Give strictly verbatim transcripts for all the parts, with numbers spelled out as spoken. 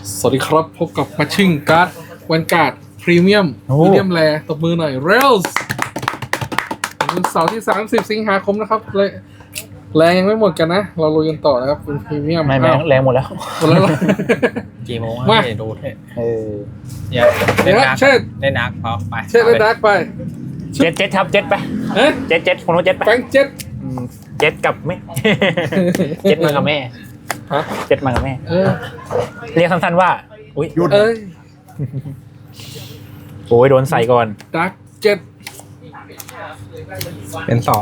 สวัสดีครับพบกับมาชิ่งการ์ดวันการ์ดพรีเมียมโอ้พรีเมียมแรตบมือหน่อยเรลส์วันเสาร์ที่ สามสิบ สิงหาคมนะครับเลยแรงยังไม่หมดกันนะ เราลุยกันต่อนะครับเป็นพรีเมียมไม่แรงอ้าวแรงหมดแล้วหมดแล้วเหรอกี่โมงมาให้ดูเถอะเอออย่าเดี๋เล่ยนวนักเชิดเล่นนักพอไปเชิดเลยดักไปเจ็ดเจ็ดครับเจ็ดไปเอ๊ะเจ็ดเจ็ดคนนู้นเจ็ดไปแฟงเจ็ดอืมเจ็ดกับแม่ เจ็ดมากับแม่ฮะเจ็ดมากับแม่เออเรียกสั้นๆว่าอุ้ยเอ้ยโอ้ยโดนใส่ก่อนดักเจ็ดเป็นสอง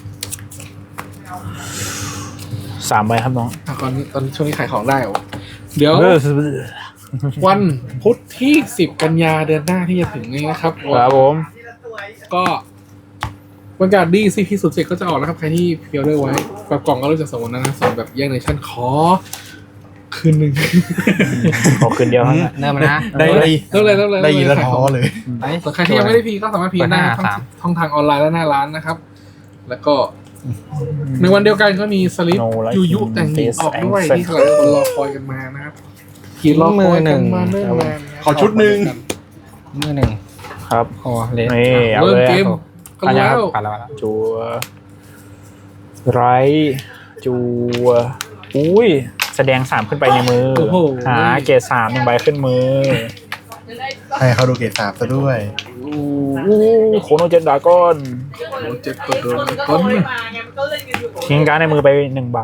สามใบครับน้องอ่ะตอนนี้ตอนนี้ช่วงนี้ขายของได้เหรอเดี๋ยวเออวันพุธที่ สิบ กันยาเดือนหน้าที่จะถึงนี้นะครับครับผมก็วันการดีซีพีสุดเจ็ดก็จะออกแล้วครับ ใครที่พรีออเดอร์ไว้แบบกล่องก็รู้จักสมมตินะส่วนแบบแยกในชั้นขอ คืนหนึ่งขอคืนเดียวครับเริ่มนะได้เริ่มเลยเริ่มเลยได้ยินแล้วขายท้ขอองเลยไปส่วนใครที่ยังไม่ได้พีก็สามารถพีได้เปิดหน้าทั้งสามช่องทางออนไลน์และหน้าร้านนะครับ แล้วก็ในวันเดียวกันก็มีสลิป No Life ยูยุแต่งหญิงออกด้วย Face ที่หลายคนรอคอยกันมานะครับกี่รอคอยกันมาเนิ่นนานขอชุดหนึ่งมือหนึ่งครับโอ้เลสนี่เอาเริ่มเลยเกมกันแล้วปาแล้วแล้วจัวไรจัวอุ้ยแสดงสามขึ้นไปในมือโอ้โหหาเกรดสามหนึ่งใบขึ้นมือให้เขาดูเกรดสามซะด้วยอู้โคโนเจ็ดดากอนโอ้เจ็บตัวโดนต้นทิ้งการ์ดในมือไปหนึ่งใบ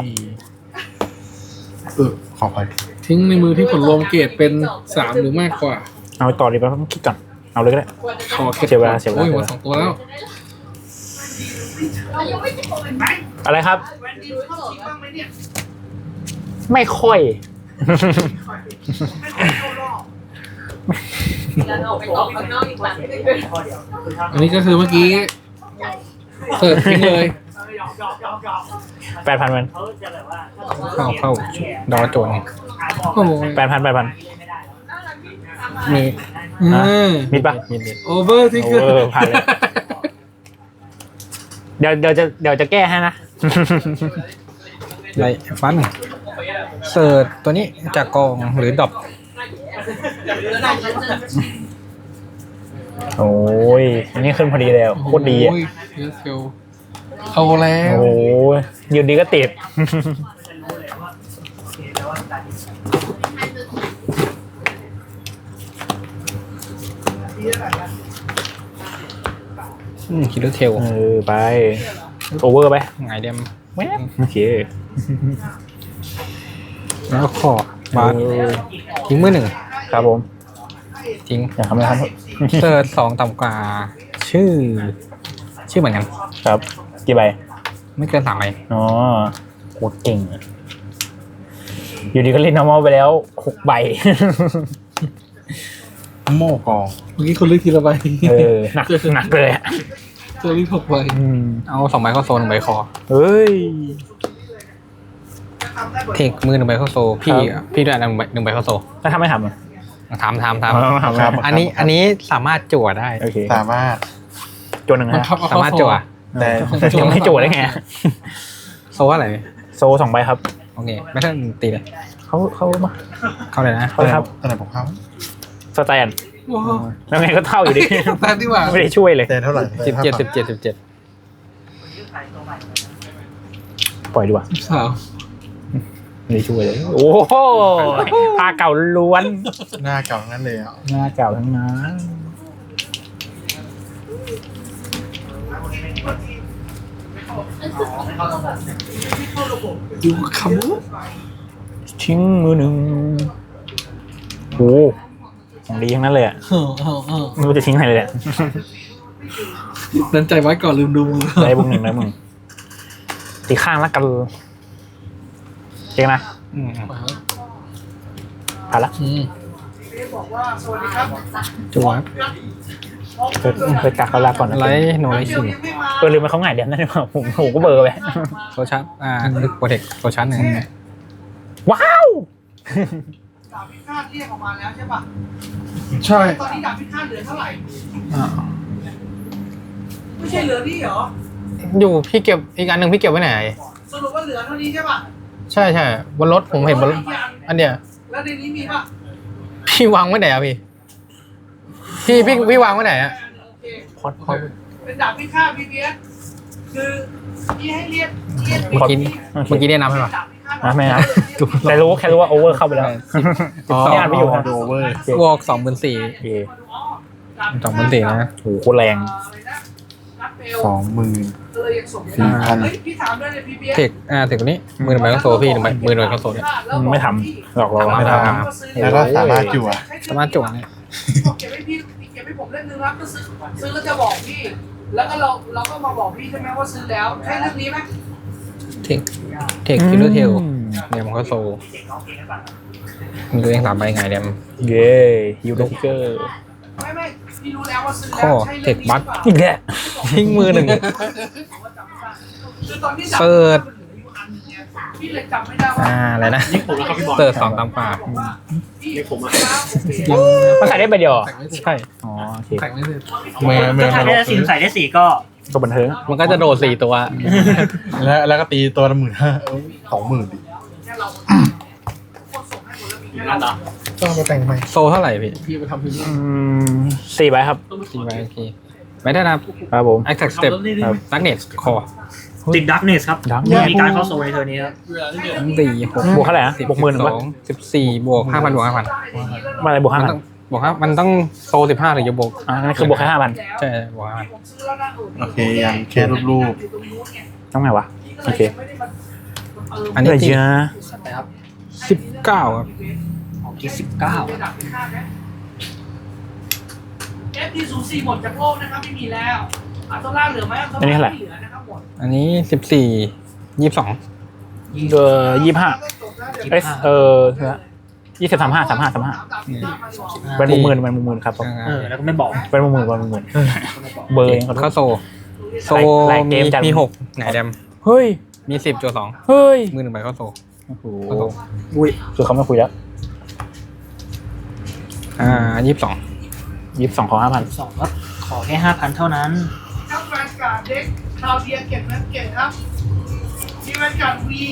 เออขอไปทิ้งในมือที่ผลรวมเกรดเป็นสามหรือมากกว่าเอาต่อดีป่ะต้องคิดก่อนเอาเลยก็ได้ขอเสียเวลาเสียเวลาโอ้ยหมดสองตัวแล้วอะไรครับ ไม่ค่อยอันนี้ก็คือเมื่อกี้เสิร์ฟทิ้งเลยแปดพันมันเข้าเข้าดอโจนโอ้โหแปดพันแปดพันมีอ่ะ มิดปะมิดมิดโอเวอร์ที่คือเออผ่านเลย เดี๋ยวเดี๋ยวจะเดี๋ยวจะแก้ให้นะไรฟันเสิร์ชตัวนี้จากกองหรือดรอปโอ้ยอันนี้ขึ้นพอดีเลยอะโคตรดีอ่ะโยเยอะเชียวเข้าแล้วโอ้ยยืนดีก็ติดอืมคิดดูเทลเออไปโอเวอร์ไปไงเดมแว๊บโอเคแล้วขอบาสเออทิ้งมือหนึ่งครับผมทิ้งอยากทำอะไรครับเสิร์ชสองต่ำกว่า ชื่อ ชื่อเหมือนกันครับ กี่ใบไม่เกินสามใบอ๋อโคตรเก่งอะอยู่ดีก็เล่น normal ไปแล้วหกใบโม่กองเมื่อกี้คนเลือกทีละใบเออหนักหนักเลยอะเจอรีบหกใบอืมเอาสองใบเข้าโซนหนึ่งใบคอเฮ้ยเทคมือหนึ่งใบเข้าโซ พี่ครับพี่ด้วยอันหนึ่งใบหนึ่งใบเข้าโซถ้าทำไม่ทำอะทำทำทอ๋อทำครับำอันนี้อันนี้สามารถจั่วได้โอเคสามารถจวนหนึ่งบังนะคับเอาสาเข้ามารถคอจั่วแต่แต่ยังไม่โจทย์ได้ไงโซอะไรโซสองใบครับโอเค ไม่ต้องตีเลยเขาเขามาเข้าเลยนะเขาครับอันไหนผมเข้าสแตนว้าวแล้วไงก็เท่าอยู่ดีแต่ที่ว่าไม่ได้ช่วยเลยแต่เท่าไหร่สิบเจ็ดสิบเจ็ดสิบเจ็ดปล่อยดีกว่าสาวไม่ได้ช่วยเลย โอ้โหผ้าเก่าล้วนหน้าเก่างั้นเลยอ่ะหน้าเก่าทั้งนั้นอยู่คำว่าทิ้งมือหนึ่งโอ้ของดีทั้งนั้นเลยอ่ะเออเออเออไม่รู้จะทิ้งอะไรเลยอะนันใจไว้ก่อนลืมดูมือได้บุ้งหนึ่งได้มึงตีข้างละกันเจ๊งนะอืมผ่านละอืมจั่วเคยเคยกักเขาลาก่อนนะไลท์โนไลท์คิงเออลืมไปเขาหงายเดียวนั่นหรือเปล่าผมผมก็เบลอร์ไปโซชาร์จอ่าลึกโปรเทคโซชาร์จหนึ่งว้าวดาบพิฆาตเรียกออกมาแล้วใช่ป่ะใช่ตอนนี้ดาบพิฆาตเหลือเท่าไหร่อ่าไม่ใช่เหลือนี่เหรออยู่พี่เก็บอีกอันหนึ่งพี่เก็บไว้ไหนสรุปว่าเหลือเท่านี้ใช่ป่ะใช่ใช่บนรถผมเห็นบนรถอันเดียวเแล้วในนี้มีป่ะพี่วางไว้ไหนอะพี่พี่พี่พี่วางไว้ไหนอะโอเคพอดพอดเป็นดาบพิฆาตพีพีเอสคือพี่ให้เรียกเรียกเมื่อกี้เมื่อกี้ได้นับให้ป่ะดาบพิฆาตนะไม่นะแต่รู้แค่รู้ว่าโอเวอร์เข้าไปแล้วอ๋อไม่อ่านไม่อยู่นะโดเวอร์บวกสองหมื่นสี่โอเคสองหมื่นสี่นะโหโคตรแรงสองหมื่นเออยังส่งสี่พันเฮ้ยพี่ถามด้วยเลยพีพีเอสเทคอ่าเทคตัวนี้มือหนึ่งใบก็โซพี่หนึ่งใบมือหนึ่งใบก็โซเนี่ยไม่ทำหลอกเราไม่ทำแล้วก็สามารถจั่วสามารถจวดเนี่ยเก็บให้พี่เก็บให้ผมเล่นนึงครับก็ซื้อซื้อแล้วจะบอกพี่ แล้วก็เราเราก็มาบอกพี่ใช่ไหมว่าซื้อแล้วใช่เรื่องนี้ไหมเทคเทคคิลเลอร์เทลเนี่ยมันก็โซมีตัวเองสามใบไงเดมเย้ยูโรทิกเกอร์ไม่ไม่พี่รู้แล้วว่าซื้อข้แล้อวใช่เทเรื่องคนี้บัคอีกแล้วทิ้งมือหนึ่งคือตอนที่เปิดพี่เลยจำไม่ได้ว่าอ่าอะไรนะเติร์ดสองตามป่าพี่ผมมันใส่ได้ใบเดียวเหรอแต่งไม่เสร็จใช่อ๋อโอเคแต่งไม่เสร็จเมื่อเมื่อถ้ามาลได้งสี่ใส่ได้สี่ก็ก็บันเทิงมันก็จะโดดสี่ตัวแล้วแล้วก็ตีตัวละหมื่นห้าสองหมื่นดิแค่เราส่งให้หมดแล้วมีแค่นั่นเหรเราอก็เอามาแต่งใหม่โซเท่าไหร่พี่พี่ไปทำพิมพ์อืมสี่ใบครับสี่ใบโอเคไม่ได้นะครับครับผม Attack Step ดักเน็ตคอติดดักเนสครับ Darkness มีการเข้าโซนในเทอร์นี้ครับสี่หกบวกเท่าไหร่นะบวกหมื่นหนึ่งสปะองสิบสี่บวกห้าพันบวกห้าพันมาอะไรบวกห้ามันพันต้องบวกห้ามันต้องโซสิบห้าถึงจะบวกอ่านั่นคือบวกแค่ห้าพันใช่บวกห้าพันผมซื้อแล้วนะโอเคยังแค่รูปต้องไงวะ โอเคอันนี้อะไรตีเยอะสิบเก้าครับของที่สิบเก้าเอฟดีศูนย์สี่หมดจากโลกนะครับไม่มีแล้วอัลโตล่าเหลือไหมอัลโตล่าไม่เหลือนะครับหมดอันนี้สิบสี่ยี่สิบสองเออยี่ห้าเอสเออยี่สิบสามห้าสามห้าสามห้าเป็นมุมหมื่นเป็นมุมหมื่นครับผมเออ แล้วก็ไม่บอกเป็นมุมหมื่นเป็นมุมหมื่นเบอร์เองขอโทเข้าษโซโซหลายเกมีมจัดมีหกไหนแดมเฮ้ยมีสิบจุดสองเฮ้ยมือหนึ่งใบเข้าโซโอ้โหเข้าโซอุ้ยคือเขาไม่คุยแล้วอ่ายี่สิบสองยี่สิบสองของห้าพันสองครับ ขอแค่ห้าพันเท่านั้นครับแวนการ์ดเด็กคราวเดียเก็บเงินเก่งครับมีแวนการ์ดวี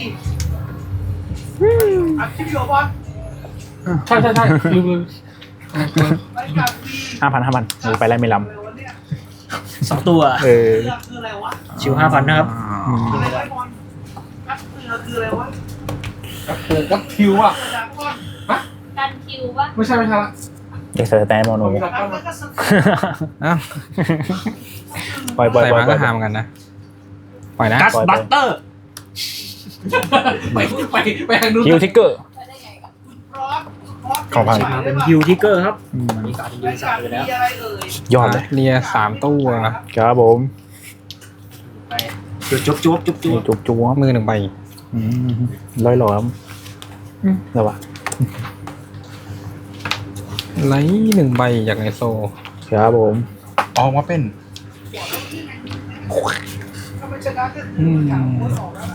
อัดคลิปอยู่บอลใช่ใช่ใช่ลืมลืมแวนการ์ดวีห้าพันห้าพันโอ้ไปไล่ไม่ลอะไรวะเนี่ยสองตัวำเออเรือคืออะไรวะชิวห้าพันนะครับอืมคืออะไรวะบอลกัดเรือคืออะไรวะเปิดกับคิวอ่ะกระดาษก้อนกันคิวปะไม่ใช่ไม่ใช่ละเด็กสแตนโมโนมีดับกัก้ดอนแล้วก็สอ้าวปล่อยปล่อยใส่ปล่อยมาปล่ก็อยหาเหมือนกันนะปล่อยนะกัสบัตเตอร์ไปไปไปทางนู้นฮิวทิกเกอร์ไปได้ไงกันร้อนร้อนของพันมาเป็นฮิวทิกเกอร์ครับอืมตอนนี้การเป็นแวยูนสาการ์ดมไปวีแล้วอะไรเอ่ยยอดเลยเรียสามตัวครับผมไปจุ๊บจุ๊บจุ๊บจุ๊บจุ๊บจุกจุกมือหนึ่งใบอืมร้อยหลอมแล้ววะไลท์หนึ่งใบจากในโซครับผมออกมาเป็นถ้าไม่ชนะก็คืออยากพ้นออกแล้วล่ะ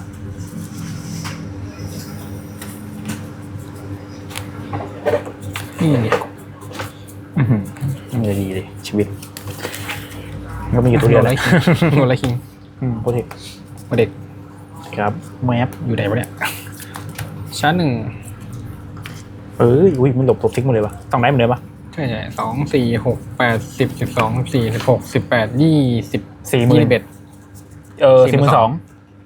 นี่อื้อหือไม่ดีเลยชีวิตก็มีกี่ตัวเดียวโนเลไลยคิงโนไลคิงอืมโปรเทคมาเด็กครับแมปอยู่ไหนวะเนี่ยชาร์จหนึ่งเอ้ยอุ้ยมันหลบหลบทิ้งหมดเลยวะต้องได้เหมือนเดิมปะใช่ใช่สองสี่หกแปดสิบสิบสองสี่สิบหกสิบแปดยี่สิบสี่หมื่ยี่นสิบเอ็ดเออสี่หมื่นสอง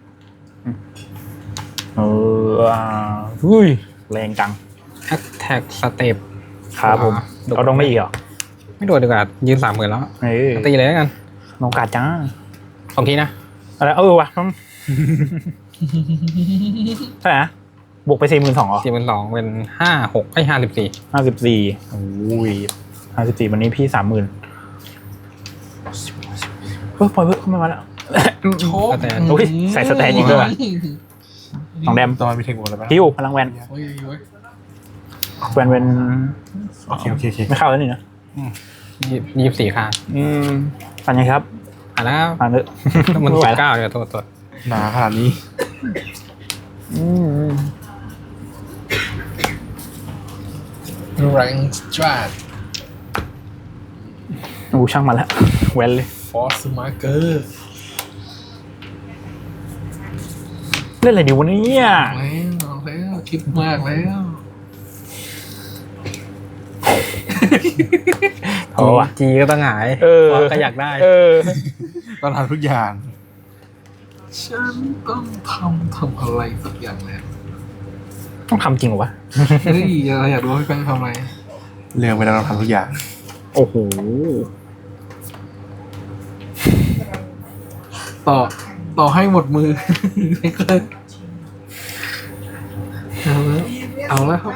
เอออ่าอุ้ยแรงจังแอคแท็กสเต็ปครับผมอ่าเอาต้องไม่อีกเหรอไม่โดดดีกว่ายืนสามหมื่นแล้วเออตีเลยแล้วกันน้องกาดจ้าสองทีนะอะไรเออวะต้อง ใช่ไหมบวกไปสี่หมื่นสองเหรอสี่เป็นสองเป็นห้าหกไอ้ห้าสิบสี่ห้าสิบสี่โอ้ยห้าสิบสี่วันนี้พี่สามหมื่นเฮ้ยปล่อยเพิ่มเข้ามาแล้วโชว์แต่โอ้ยใส่สแตนอีกด้วยว่ะ สองแดมตอนมีเทคนิคอะไรบ้างฮิวพลังแวนโอ้ยโอ้ยแวนเวนโอเคโอเคโอเคไม่เข้าแล้วนี่นะยี่สิบสี่ค่ะอืมปันยังครับอ่ะแล้วปันเถอะมันไม่ไหสิวบแล้วเก้าเดี๋ยวตัวตัวหนาขนาดนี้อืมแรงสตราดโอ้ช่างมันแล้วแวนเลยฟอสมาร์เกอร์เล่นอะไรดีวะเนี่ยแล้วเอาแล้วคิดมากแล้วเพราะว่าจีก็ต้องหงายเออฟอนก็อยากได้เออต้องทำทุกอย่างฉันต้องทำทำอะไรสักอย่างแล้วต้องทำจริงเหรอวะเฮ้ยเราอยากรู้ว่าพี่แป้งทำอะไรเรื่องไปแล้วเราทำทุกอย่างโอ้โหต่อต่อให้หมดมือ ไม่เคยเอาแล้วเอาแล้วครับ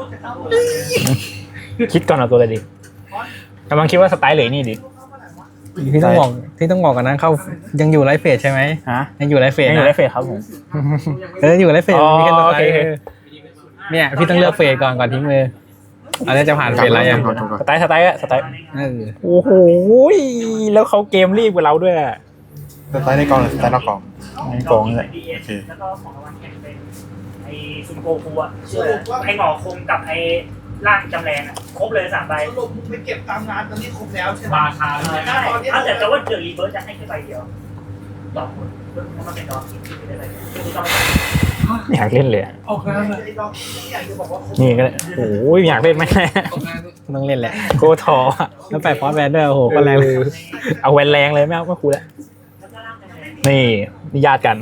คิดก่อนเอาตัวอะไรดีกำลังคิดว่าสไตล์เหลยนี่ดิที่ต้องบอกที่ต้องบอกกันนะเข้ายังอยู่ไลฟ์เฟสใช่ไหมฮะยังอยู่ไลฟ์เฟสยังอนะยู่ได้เฟสครับผมเอออยู่ไลฟ์เฟสอ๋อมีแค่สโอไตเคล์โอเคเนี่ยพี่ต้องเลือกเฟสก่อนก่อนทิ้งมืออันนี้จะผ่านเฟสอะไรยังสไตล์สไตล์อะสไตล์เออโอ้โหแล้วเขาเกมรีบกว่าเราด้วยอะสไตล์ในกองหรือสไตล์นอกกองในกองเลยโอเคแล้วก็ของรางวัลแข่งเป็นไอ้ซุนโกคูอะไอ้หงอคงกับไอ้ร่างจำแรงอะครบเลยสามใบสรุปมึงไปเก็บตามงานตอนนี้ครบแล้วใช่ไหมราคาเลยได้เอาแต่แต่ว่าเดือดรีเบิร์จะให้แค่ใบเดียวต่อคนเพราะมันเป็นดอกที่ไม่ได้ใบเดียวคือต้องอยากเล่นเลยอะออกงานเลยไอ้ดอกที่อยากจะบอกว่าครบนี่ก็ได้โอ้ยอยากเล่นไหมออกงานเลยต้องเล่นแหละโกทออะแล้วแปะฟอนต์แบนด้วยโอ้โหก็แรงเออเอาแวนแรงเลยไม่เอาไม่คูลแล้วนี่นี่ญาติกัน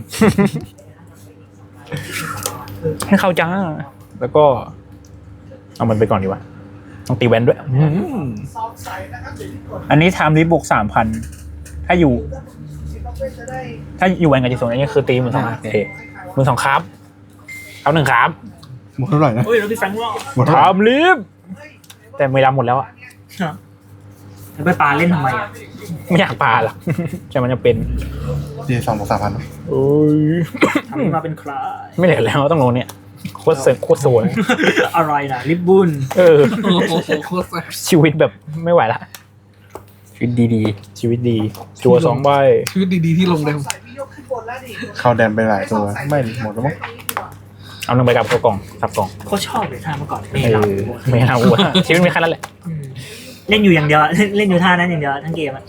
ให้เข้าจ้าแล้วก็ เอามันไปก่อนดีกว่าต้องตีแวนด้วยอืมซอฟต์ใส่นะครับเดี๋ยวที่กดอันนี้ไทม์ลิฟบวกสามพันถ้าอยู่ซิปเปอร์จะได้ถ้าอยู่แวนกับจิโซนอันนี้คือตีหมือสองโอเคหมือสองครับเอาหนึ่งครับหมดเท่าไหร่นะเฮ้ยแล้วพี่แฟรงค์ว่าหมดไทเท่าไหร่ม์ลิฟแต่ไม่รับหมดแล้วอะแล้วไปปาเล่นทำไมอะไม่อยากปาหรอก แต่มันจะเป็นดีสองบวกสามพันโอ้ยทำมาเป็นคลาไม่เหลือแล้วต้องลงเนี่ยโคตรเซ็งโคตรสวยอะไรนะลิบบุนเออโอ้โหโคตรแซ่บชีวิตแบบไม่ไหวละชีวิตดีชีวิตดีจัวสองใบชีวิตดีๆที่ลงแดงใส่พี่ยกขึ้นบนแล้วดิเข้าแดนไปหลายตัวไม่หมดแล้วมั้งเอาหนึ่งใบกับเข้ากล่องสับกล่องโคตรชอบเลยท่าเมื่อก่อนเออไม่เอาวะชีวิตมีแค่นั้นแหละอืมเล่นอยู่อย่างเดียว เล่นอยู่ท่านั้นอย่างเดียวทั้งเกมอะ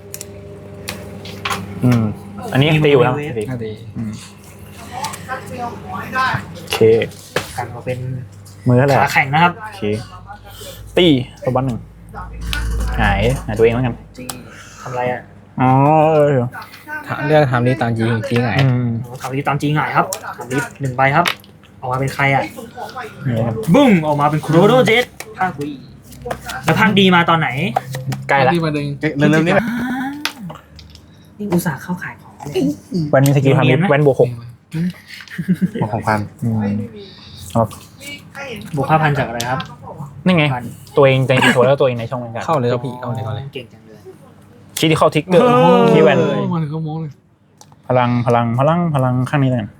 อืมอันนี้ยังตีอยู่แล้วตีๆน่าดีอืมถ้าเตียวขอให้ได้โอเคกันมาเป็นมือเท่าไหร่ขาแข่งนะครับโอเคตีตัวบันหนึ่งหายหายตัวเองแล้วกันจริงทำไรอ่ะอ๋อเออถ้าเลือกทำนี้ตามจริงจริงไงอืมทำลิฟตามจริงหน่อยครับทำลิฟหนึ่งใบครับ ออกมาเป็นใครอ่ะส่งของใหม่นี่ครับบุ้งออกมาเป็นโครโดเจ็ตภาควีแล้วภาคดีมาตอนไหนใกล้ละที่มาดึงเร็วๆนี้แหละนี่อุตส่าห์เข้าขายของเลยแวนมีสกิลทำเนียนไหมแวนบวกหกหมดของพันอืมนี่ใครเห็นบวกห้าพันจากอะไรครับนี่ไงพันตัวเองในดีโซแล้วตัวเองในช่องเหมือนกันเข้าเลยครับพี่เข้าเลยเข้าเลยเก่งจังเลยคิดที่เข้าทิกเกอร์คีย์แวนโอ้มาถึงก็โม้เลยพลังพลังพลังพลังข้างนี้เลย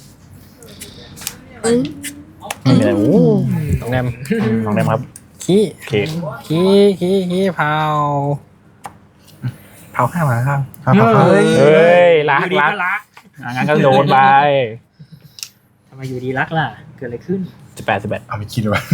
ไม่มีอะไรโอ้ตรงแนมอืมลองได้ไหมครับขี้โอเคขี้ขี้ขี้เผาเผาข้างมาข้างครับครับเฮ้ยเฮ้ยรักอยู่ดีรักก็รักอ่ะงั้นก็โดนไปทำไมอยู่ดีรักล่ะ เกิดอะไรขึ้นสิบแปดสิบแปดเอาไปคิดไว้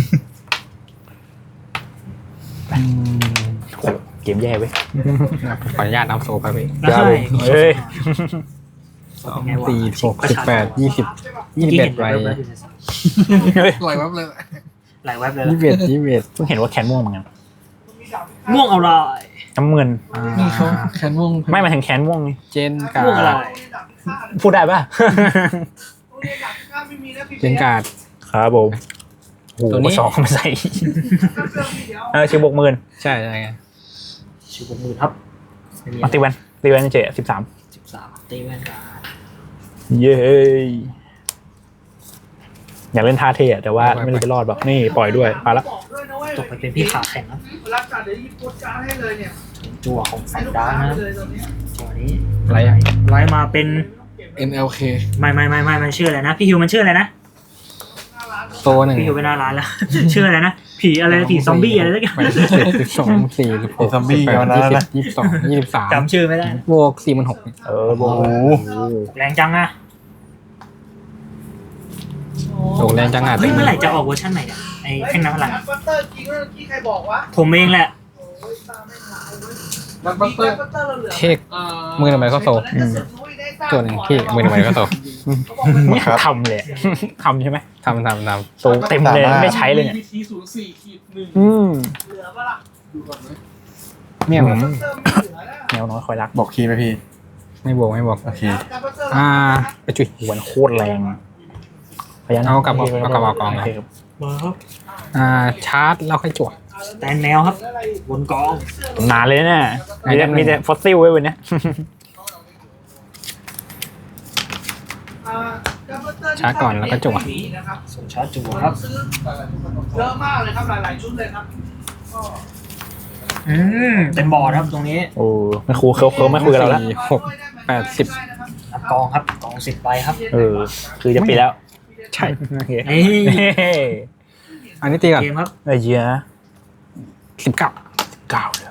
เกมแย่เว้ยขออนุญาตเอาโซไปพี่ได้เฮ้ยสองสี่หกสิบแปดยี่สิบยี่สิบเอ็ดใบเฮ้ยปล่อยแป๊บเลยหลายเว็บเลยยี่สิบเอ็ดยี่สิบเอ็ดเพิ่งเห็นว่าแคนม่วงเหมือนกันม่วงอะไรน้ำเงินนี่เขาแคนม่วงไม่หมายถึงแคนม่วงนี่เจนกาม่วงอะไรดพูดได้ป่ะไม่มีนะพี่เจนการ์ดครับผมโอ้โหตัวนี้สองมาใส่ เออชิวบวกหมื่นใช่ใช่ไงชิวบวกหมื่นครับไม่มีมาตีแวนตีแวนเจสิบสามสิบสามตีแว่นกันเย้อยากเล่นท่าเท่อะแต่ว่าไม่รู้จะรอดแบบนี่ปล่อยด้วยไปละบอกด้วยนะเว้ยตกไปเป็นพี่ขาแข่งครับรับจัดเดี๋ยวยิบโพสการ์ดให้เลยเนี่ยจั่วของสันดานะครับเลยตอนนี้จั่วนี้อะไรอ่ะไล่มาเป็นเอ็น แอล เคไม่ไม่ไม่ไม่มันชื่ออะไรนะ พี่ฮิวมันชื่ออะไรนะโซหนึ่งพี่ฮิวไปหน้าร้านแล้ว ชื่ออะไรนะ ผีอะไรผีซอมบี้อะไรสักอย่างไปสิบสิบสองสี่สิบหกสิบแปดยี่สิบยี่สิบสองยี่สิบสามจำชื่อไม่ได้บวกสี่มันหกเออโอ้โหแรงจังอะโอ้แรงจังอ่ะเฮ้ยเมื่อไหร่จะออกเวอร์ชันใหม่เนี่ยไอ้แข่งน้ำพลังบัตเตอร์จริงเมื่อกี้ใครบอกวะผมเองแหละโอ้ยตาไม่หายเว้ยบัตบัตเตอร์บัตเตอร์เราเหลือเทคมือหนึ่งใบเข้าโซวันนั้นจะสึกนุ้ยได้สร้างตัวหนึ่งพี่มือหนึ่งใบเข้าโซไม่ทำเลยทำใช่ไหมทำทำทโตเต็มเลยไม่ใช้เลยเนี่ยพีทีศูนย์สี่ขีดหนึ่งอืมเหลือปะล่ะดูก่อนไหมำเนี่ยผมเติมไม่เหลือแล้วแนวน้อยคอยรักบอกคีย์ไหมพี่ไม่บอกไม่บอกโอเคอ่าไปจุยหวนโคตรแรงพยานเอากลับเอาเอากลับเอากองโเคครับมาครับอ่าชาร์จแล้วค่อยจั่วแตนแมวครับบนกองนานเลยเนี่ยมีแต่ไหนๆมีแต่ฟอสซิลไว้วันเนี้ยชาร์จก่อนแล้วก็จั่วส่งชาร์จจั่วครับซื้อเยอะมากเลยครับหลายๆชุดเลยครับอืมเต็มบอร์ดครับตรงนี้โอ้ไม่คุยเขาเขาไม่คุยกับเราแล้วสี่หกแปดสิบนับกองครับกองสิบใบครับเออ คือจะปิดแล้วใช่โอเคเฮ้ยอันนี้ตีก่อนเกมครับไอ้เหี้ยสิบเก้าเก้าเลย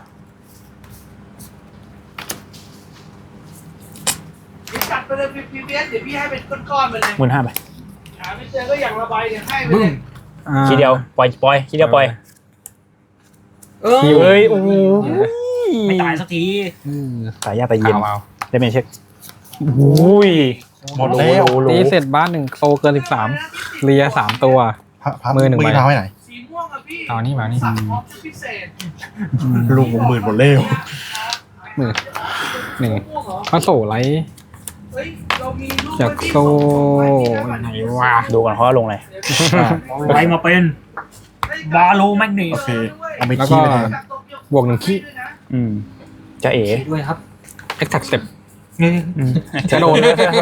จัดไปเลยพีพีเอสเดี๋ยวพี่ให้เป็นก้อนๆไปเลยหมื่นห้าไปหาไม่เจอก็อย่างระบายเนี่ยให้ไปเลยอ่าทีเดียวปล่อยปล่อยทีเดียวปล่อยเออคิวเฮ้ยโอ้ยไม่ตายสักทีอืมสายยาตายเย็นเอาเอาได้เป็นเช็คอุ้ยหมดแล้วโลตีเสร็จบ้านหนึ่งโตเกินสิบสามเลียสามตัวพระพระมือหนึ่งใบพาไว้ไหนสีม่วงอะพี่เอานี่มานี่สั่งพร้อมชุดพิเศษลูกผมหมื่นหมดแล้วมือหนึ่งม่วงเหรอพระโสไลท์เฮ้ยเรามีรูปจากโซ่ไหนวะดูก่อนเขาว่าลงอะไรไว้มาเป็นบาโลแมกนีโอเคเอาไปแล้วคีก็ย์ไปแทนบวกหนึ่งขี้อืมจะเอ๋ด้วยครับเอ็กซ์แท็กสเต็ปนี่จะโดน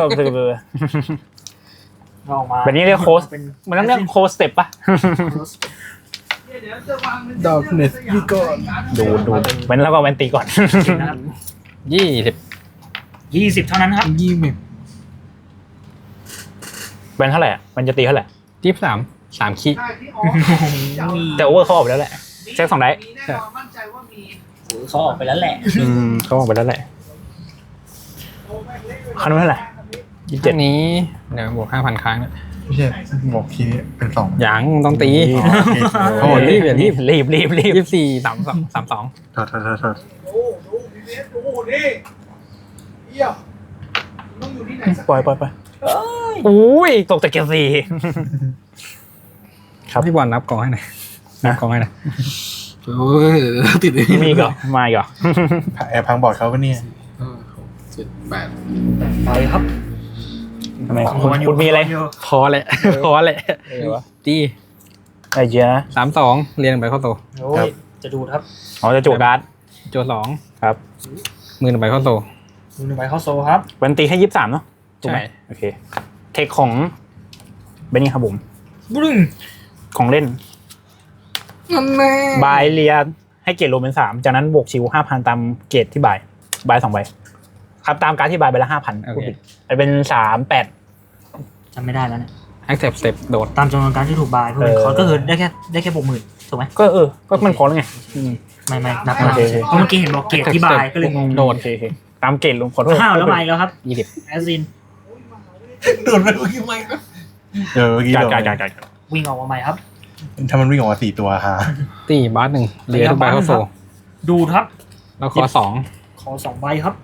เราออกมาแบบนี้เรียกโค้ชเป็นมันต้องเรียกโค้ชสเต็ปปะเดี๋ยวจะวางป็ดอกเน็ตพี่ก่อนดูดูเว้นแล้วก็เว้นตีก่อนนะครับยี่สิบยี่สิบเท่านั้นครับยี่สิบเว้นเท่าไหร่อะมันจะตีเท่าไหร่ยี่สิบสามสามขี้ใช่ที่ออกแต่โอเวอร์เขาออกไปแล้วแหละ เช็คสองได้มีแน่นอนมั่นใจว่ามีเขาออกไปแล้วแหละอืมเขาออกไปแล้วแหละคันนู้นเท่าไหร่ยี่สิบเจ็เจ็ดดนี้เดี๋ยวบวกห้าพันครั้งนะไม่ใช่บอกคีย์เป็นสองยังต้องตีอ๋อโอ้รีบอย่ารีบรีบรีบรีบยี่สิบสี่สามสองสามสองถอดถอดถอดถอดโอ้ดูพีพีเอสดูนี่เยี่ยมต้องอยู่ที่ไหนสักปล่อยปล่อยปล่อยอุ้ยตกจากเกียร์สี่ ครับพี่บอลนับกองให้หน่อยนับกองให้หน่อยโอ้ยติดเลยมีอีกเหรอมาอีกเหรอแอบพังบอร์ดเขาก็เนี่ยห้าหกเจ็ดแปดไปครับทำไมคุณคุณมีอะไรพอแหละพอแหละตีไอ้เจ้าสามสองเรียงไปเข้าโตโอ้ยจะดูดครับอ๋อจะจูบการ์ดโจสองครับมือหนึ่งใบเข้าโตดูหนึ่งใบเข้าโซครับเว้นตีให้ยี่สิบสามเนาะถูกไหมใช่โอเคเทคของเบนนี่ครับผมบึ้งของเล่นนั่นแน่บายเรียให้เกรดรวมเป็นสามจากนั้นบวกชิวห้าพันตามเกรดที่บายบายสองใบครับตามการดที่บายไปละห้าพันโอเคเป็นสามแปดจำไม่ได้แล้วเนี่ยแอคเซปต์สเต็ปโดดตามจำนวนการที่ถูกบายเพื่อเป็นคอร์สก็คือได้แค่ได้แค่บวกหมื่นถูกไหมก็เออ ก็มันพอแล้วไงอืมไม่ไม่นับโอมาเคโอเคเพราะเมื่อกี้เห็นบอกเกรดที่บายก็เลยงงโดดโอเคโอเคตามเกรดรวมขอโทษอ้าวแล้วมาอีกแล้วครับยี่สิบแอสซินโดนไปเมื่อกี้ไม่เออเมื่อกี้กาโดรนการการการวิ่งออกมาใหม่ครับถ้ามันวิ่งออกมาสี่ตัวฮะตีบาสหนึ่งเรียทุกใบเข้าโซดูดครับแล้วคอสองขอสองใบครับ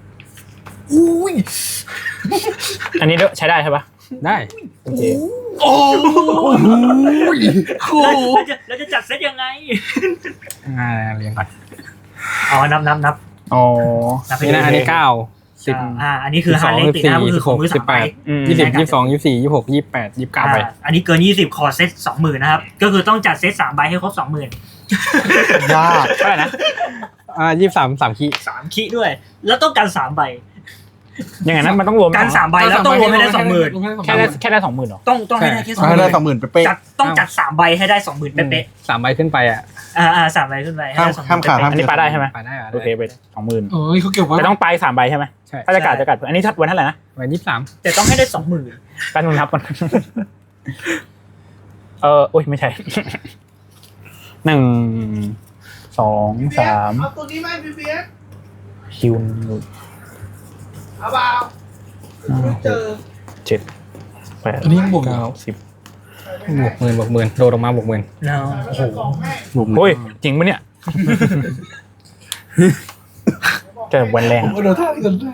อันนี้ใช้ได้ใช่ปะได้โอเคโอ้ยโอ้แล้วจะแล้วจะจัดเซตยังไงอ่าเรียงก่อนอ๋อนับนับนับอ๋อนับไปนี่นะอันนี้เก้าสิบอ่าอันนี้คือฮาร์เลติดนะก็คือของมือสามใบอืมยี่สิบยี่สิบสองยี่สิบสี่ยี่สิบหกยี่สิบแปดยี่สิบเก้าไปอ่าอันนี้เกินยี่สิบคอเซตสองหมื่นนะครับ ก็คือต้องจัดเซตสามใบให้ครบสองหมื่นยากเท่าไหร่นะอ่ายี่สิบสามสามขี้สามคิด้วย แล้วต้องการสามใบยังไงนะมันต้องรวมการสามใบแล้วต้องรวมให้ได้สองหมื่นแค่ได้แค่ได้สองหมื่นหรอต้องต้องให้ได้แค่สองหให้มื่ได้นสองหมื่นเป๊ะจัดต้องจัดสามใบให้ได้สองหมื่นเป๊ะสามใบขึ้นไปอ่ะๆอ่าอ่าสามใบขึ้นไปให้ห้ามได้สองหห้ามมื่นขาดเป๊ะห้ามอันนี้ปลาได้ใช่ไหมไปได้อะโอเคไปสองหมื่นเอ้ยเขาเก็บไว้แต่ต้องไปสามใบใช่ไหมใช่ถ้าจะกัดจะกัดอันนี้ทัดวันเท่าไหร่นะใบยี่สิบสามๆแต่ต้องให้ได้สองหมื่นการนุนครับมัน เออโอ้ยไม่ใช่ หนึ่งสองสามเอาตัวนี้ไหมพีพีเอสคิวเอาเปล่าไม่เจอเจ็ดแปดอันนี้ยังบวกอยู่เก้าสิบบวกหมื่นบวกหมื่นโดดออกมาบวกหมื่นแล้วโอ้โหบุ๋มโอ้ยจริงปะเนี่ยจะวันแรงผมก็โดนท่ากันได้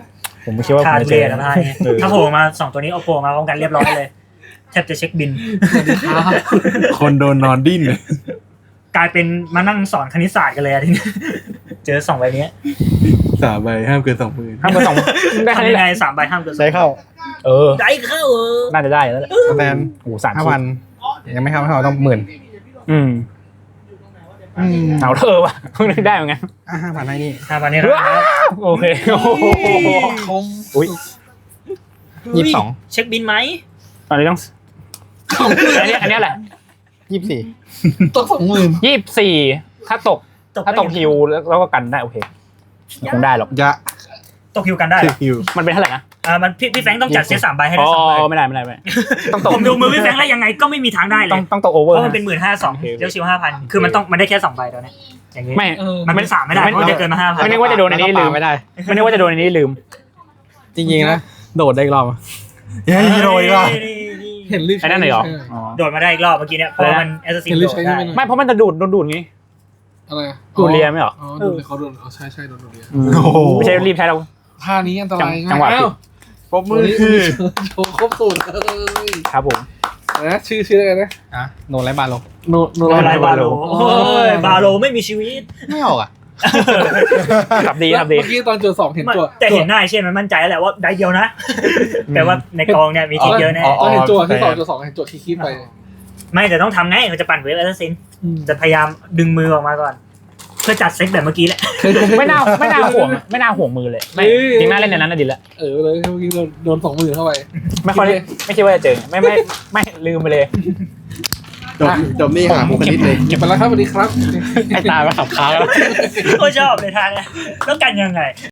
ผมไม่คิดว่าผคามจะทุเจเรอศนะท่านี้ถ้าโผล่มาสองตัวนี้เอาโผล่มาพร้อมกันเรียบร้อยเลยแทบจะเช็คบินคนโดนนอนดิ้นเลยกลายเป็นมานั่งสอนคณิตศาสตร์กันเลยอะทีนี้เจอสองใบนี้สามใบห้ามเกินสองหมื่นห้ามเบอร์สองได้แค่ทำนี้ยังแหไงละสามใบห้ามเกินได้เข้าเออได้เข้าเออน่าจะได้แล้วแหละสแตนโอ้โหสามห้าชิ้พันยังไม่เข้าไม่เข้าต้องหมื่นอืมอืมเอาเธอว่ะเพิ่งนึกได้เหมือนกันอ่ะห้าพันให้นี่ห้าพันนี้ครับโอเคโอ้โหอุ้ยยี่สิบสองเช็คบินไหมตอนนี้ต้องอันนี้อันนี้แหละยี่สิบสี่ตกสองหมื่นยี่สิบสี่ถ้าตก ถ้าตกฮิวแล้วก็กันได้โอเคคงได้หรอกยะตกฮิวกันได้เหรอฮิวมันเป็นเท่าไหร่นะอ่ามันพี่พี่แฟรงค์ต้องจัดเซตสามใบให้อ๋ได้อสามใบไม่ได้ไม่ได้ไม่ได้ต้องตกผมดูมือพี่แฟรงค์แล้วยังไงก็ไม่มีทางได้เลต้องยต้องตกโอเวเพอร์ราะมันเป็นหมื่นห้าสองเลี้ยวชิวห้าพันคือมันต้องมันได้แค่สองใบตอนนี้อย่างนี้ไม่มันเป็นสามไม่ได้เพราะมันจะเกินมาห้าพันไม่นึกว่าจะโดนอันนี้ลืมไม่ได้ไม่นึกว่าจะโดนอันนี้ลืมจริงๆนะโดดได้อีกรอบเฮ้ยฮีโร่อีกแล้วเห็นรีบไอ้นั่นเลยเหรออ๋อโดดมาได้อีกรอบเมื่อกี้เนี่ยเพราะว่ามันแอสซัสซินเห็นโดรีบดใช้ได้ใช่ไหมไม่เพราะมันจะดูดโดนดูดไงอะไรอะดูดเรียไม่เหรออ๋อดูดเรียเขาโดนอ๋อใช่ใช่โดนดูดเรียโอ้โหไม่ใช่รีบใช้เราท่านี้อันตรายจังหวะอ้าวปรบมือคือโชว์ครบสูตรเลยครับผมนะชื่อชื่ออะไรนะอ่ะโดนไรบาลงโนโนโดนอะไรบาโลโอ้โอ้ยบาโลไม่มีชีวิตไม่ออกอ่ะขับดีขับดีเมื่อกี้ตอนเจอสองเห็นตัวแต่เห็นหน้าเช่นมันมั่นใจแล้วแหละว่าได้เดียวนะแต่ว่าในกองเนี่ยมีทีเยอะแน่ตอนเห็นตัวที่สองเจอสองเห็นตัวคิดๆไปไม่แต่ต้องทำไงเราจะปั่นเวฟแอสซัสซินจะพยายามดึงมือออกมาก่อน เพื่อจัดเซตแบบเมื่อกี้แหละไม่น่าไม่น่าห่วงไม่น่าห่วงมือเลยไม่จริงน่าเล่นในนั้นน่ะดีละเออเลยเมื่อกี้โดนโดนสองหมื่นเข้าไปไม่ค่อยได้ไม่คิดว่าจะเจอไม่ไม่ไม่ลืมไปเลยจบจบนี่หาบุคลิกเลยเก็บไปแล้วครับสวัสดีครับไอ้ตาไปขับค้างแล้วโคตรชอบเลยทางเนี่ยแล้วกันยังไง